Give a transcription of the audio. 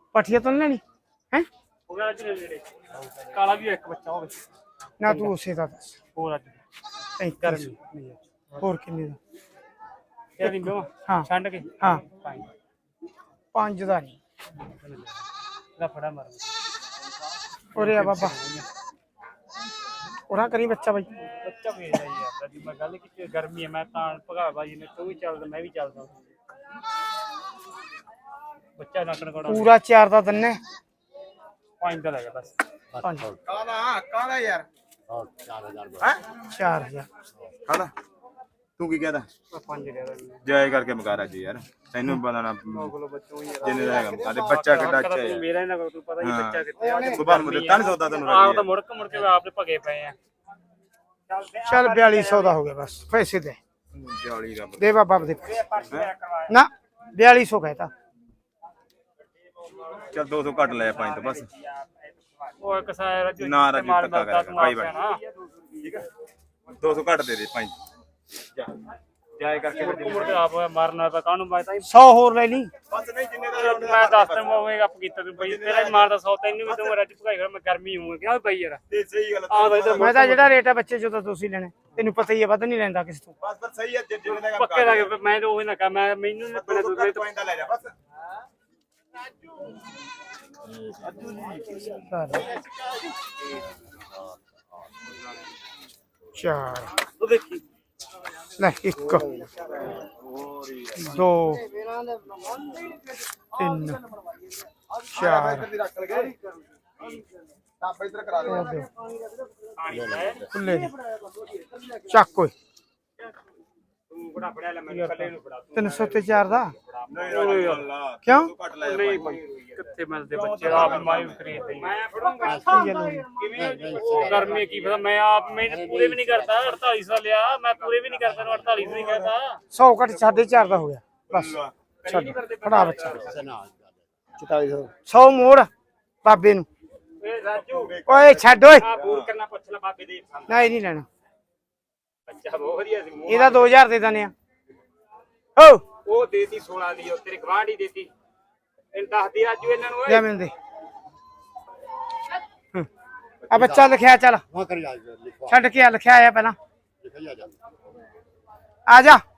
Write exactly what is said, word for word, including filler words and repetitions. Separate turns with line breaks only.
ਪੱਠੀਆਂ ਤਾਂ ਨੀ ਲੈਣੀ ਹੈ
ਕਾਲਾ ਵੀ ਇੱਕ ਬੱਚਾ ਹੋਵੇ
ਨਾ ਤੂੰ ਉਸੇ ਦਾ ਦੱਸ
ਹੋਰ ਅੱਜ
ਗਰਮੀ ਹੋਰ ਕਿੰਨੇ ਦਾ
ਇਹਦੀ ਦੋ
ਹਾਂ
ਛੱਡ ਕੇ
ਹਾਂ
ਪੰਜ
ਪੰਜ ਦਾ ਨਹੀਂ
ਦਾ ਫੜਾ ਮਾਰ
ਉਰੇ ਆ ਬਾਬਾ ਉਹਨਾਂ ਕਰੀ ਬੱਚਾ ਬਾਈ
ਬੱਚਾ ਵੇਚਦਾ ਯਾਰ ਜੀ ਮੈਂ ਗੱਲ ਕੀਤੀ ਗਰਮੀ ਹੈ ਮੈਂ ਤਾਂ ਭਗਾ ਬਾਜੀ ਨੇ ਤੂੰ ਵੀ ਚੱਲਦਾ ਮੈਂ ਵੀ ਚੱਲਦਾ ਬੱਚਾ ਨੱਕਣ ਕੋੜਾ
ਪੂਰਾ ਚਾਰ ਦਾ ਦੰਨੇ
ਪੰਜ ਦਾ ਲੱਗਾ ਬਸ
ਪੰਜ
ਕਾਲਾ ਕਾਲਾ ਯਾਰ
ਹਾਂ ਚਾਰ ਹਜ਼ਾਰ
ਹੈ
ਚਾਰ ਹਜ਼ਾਰ
ਕਾਲਾ ਤੂੰ ਕੀ ਕਹਦਾ
ਪੰਜ ਦੇ ਦੇ
ਜੈ ਕਰਕੇ ਮਕਾਰਾ ਜੀ ਯਾਰ ਤੈਨੂੰ ਪਤਾ ਨਾ
ਕੋਲ ਬੱਚੋ ਯਾਰ
ਜਿੰਨੇ ਦਾ ਹੈਗਾ ਮਕਾਰੇ ਬੱਚਾ ਕਿੱਡਾ ਅੱਛਾ ਹੈ
ਮੇਰਾ ਇਹਨਾਂ ਕੋਲ ਤੂੰ ਪਤਾ ਹੀ ਬੱਚਾ ਕਿੱਥੇ ਆ
ਸੁਭਾਨ ਨੂੰ ਦਿੱਤਾ ਨਹੀਂ ਸੌਦਾ ਤੈਨੂੰ
ਆਪ ਤਾਂ ਮੁੜਕ ਮੁੜ ਕੇ ਆਪ ਦੇ ਭਗੇ ਪਏ ਆ
ਚੱਲ ਬਿਆਲੀ ਸੌ ਦਾ ਹੋ ਗਿਆ ਬਸ ਪੈਸੇ ਦੇ
ਜਾਲੀ ਦਾ
ਦੇ ਬਾਬਾ ਦੇ ਨਾ ਬਿਆਲੀ ਸੌ ਕਹਿਤਾ
ਚੱਲ ਦੋ ਸੌ ਘੱਟ ਲੈ ਪੰਜ ਤੋਂ ਬਸ
ਉਹ ਇੱਕ ਸਾਰਾ ਰਾਜੂ
ਨਾ ਰਾਜੂ ਧੱਕਾ ਕਰ ਭਾਈ ਬਣ ਠੀਕ ਹੈ ਦੋ ਸੌ ਘੱਟ ਦੇ ਦੇ ਪੰਜ ਜਾ ਜਾਏ ਕਰਕੇ
ਮੁੜ ਕੇ ਆਪ ਮਾਰਨਾ ਤਾਂ ਕਾਹਨੂੰ ਮੈਂ ਤਾਂ
ਸੌ ਹੋਰ ਲੈ ਲਈ
ਬਸ ਨਹੀਂ ਜਿੰਨੇ ਦਾ
ਮੈਂ ਦੱਸ ਤਾ ਮੈਂ ਗੱਪ ਕੀਤਾ ਤੂੰ ਬਈ ਤੇਰਾ ਹੀ ਮਾਰਦਾ ਸੌ ਤੈਨੂੰ ਵੀ ਤੂੰ ਰਾਜੂ ਭਗਾਈ ਕਰ ਮੈਂ ਗਰਮੀ ਹੂੰ ਕਿਹਾ ਬਈ ਯਾਰ
ਤੇ ਸਹੀ ਗੱਲ
ਆ ਬਈ
ਮੈਂ ਤਾਂ ਜਿਹੜਾ ਰੇਟ ਹੈ ਬੱਚੇ ਜੋ ਤਾਂ ਤੁਸੀਂ ਲੈਣੇ ਤੈਨੂੰ ਪਤਾ ਹੀ ਹੈ ਵੱਧ ਨਹੀਂ ਲੈਂਦਾ ਕਿਸੇ ਤੋਂ
ਬਸ ਬਸ ਸਹੀ ਹੈ ਜਿੰਨੇ ਦਾ
ਪੱਕੇ ਲੱਗੇ ਮੈਂ ਤਾਂ ਉਹ ਨਾ ਕਹਾਂ ਮੈਂ ਮੈਨੂੰ ਨਹੀਂ ਪਤਾ ਤੂੰ ਮੇਰੇ ਤੋਂ
ਪੰਜ ਦਾ ਲੈ ਜਾ ਬਸ
ਚਾਰ
ਉਹ ਦੇਖੀ
ਲੈ ਇੱਕ ਦੋ ਤਿੰਨ ਚਾਰ
ਟਾਪ ਇਧਰ ਕਰਾ
ਉਹ ਦਿਓ। ਖੁੱਲੇ ਨੇ। ਚੱਕ ਓਏ
ਤੂੰ ਬੜਾ ਫੜਿਆ ਲੈ ਮੈਨੂੰ ਕੱਲੇ ਨੂੰ ਫੜਾ
ਤਿੰਨ ਸੌ ਤੇ ਚਾਰ ਦਾ
ਨਹੀਂ ਅੱਲਾ
ਕਿਉਂ
ਘੱਟ ਲੈ
ਨਹੀਂ ਕਿੱਥੇ ਮਿਲਦੇ ਬੱਚੇ ਆਪ ਮਾਈ ਖਰੀਦਦੇ ਮੈਂ ਫੜੂੰਗਾ ਕਿਵੇਂ ਗਰਮੀ ਕੀ ਪਤਾ ਮੈਂ ਆਪ ਮੈਂ ਪੂਰੇ ਵੀ ਨਹੀਂ ਕਰਦਾ ਅੜਤਾਲੀ ਸੌ ਲਿਆ ਮੈਂ ਪੂਰੇ ਵੀ ਨਹੀਂ ਕਰਦਾ ਨੂੰ ਅੜਤਾਲੀ ਸੌ ਹੀ ਕਰਦਾ
ਸੌ ਘੱਟ ਸਾਢੇ ਚਾਰ ਦਾ ਹੋ ਗਿਆ ਬਸ ਛੱਡ ਫੜਾ ਬੱਚਾ
ਚਤਾਲੀ ਸੌ
ਸੌ ਮੋੜ ਬਾਬੇ ਨੂੰ
ਏ ਰਾਜੂ
ਓਏ ਛੱਡ ਓਏ
ਆ ਬੂਰ ਕਰਨਾ ਪੁੱਛ ਲੈ ਬਾਬੇ ਦੇ
ਨਹੀਂ ਨਹੀਂ ਲੈਣਾ
ਬੱਚਾ ਬਹੁਤ ਵਧੀਆ ਸੀ ਮੂੰਹ
ਇਹਦਾ ਦੋ ਹਜ਼ਾਰ ਦੇ ਦਨੇ ਆ ਹੋ
ਉਹ ਦੇਤੀ ਸੋਲਾਂ ਦੀ ਉਹ ਤੇਰੇ ਗਵਾਂਢੀ ਦੇਤੀ ਇਹ ਦੱਸਦੀ ਰਾਜੂ ਇਹਨਾਂ ਨੂੰ
ਲੈ
ਓਏ
ਮੈਨੂੰ ਦੇ ਹੂੰ। ਆ ਬੱਚਾ ਲਿਖਿਆ ਚੱਲ
ਵਹਾਂ ਕਰ ਜਾ ਲਿਖਵਾ
ਛੱਡ ਕੇ ਆ ਲਿਖਿਆ ਆਇਆ ਪਹਿਲਾਂ
ਲਿਖਿਆ ਜਾ
ਆ ਜਾ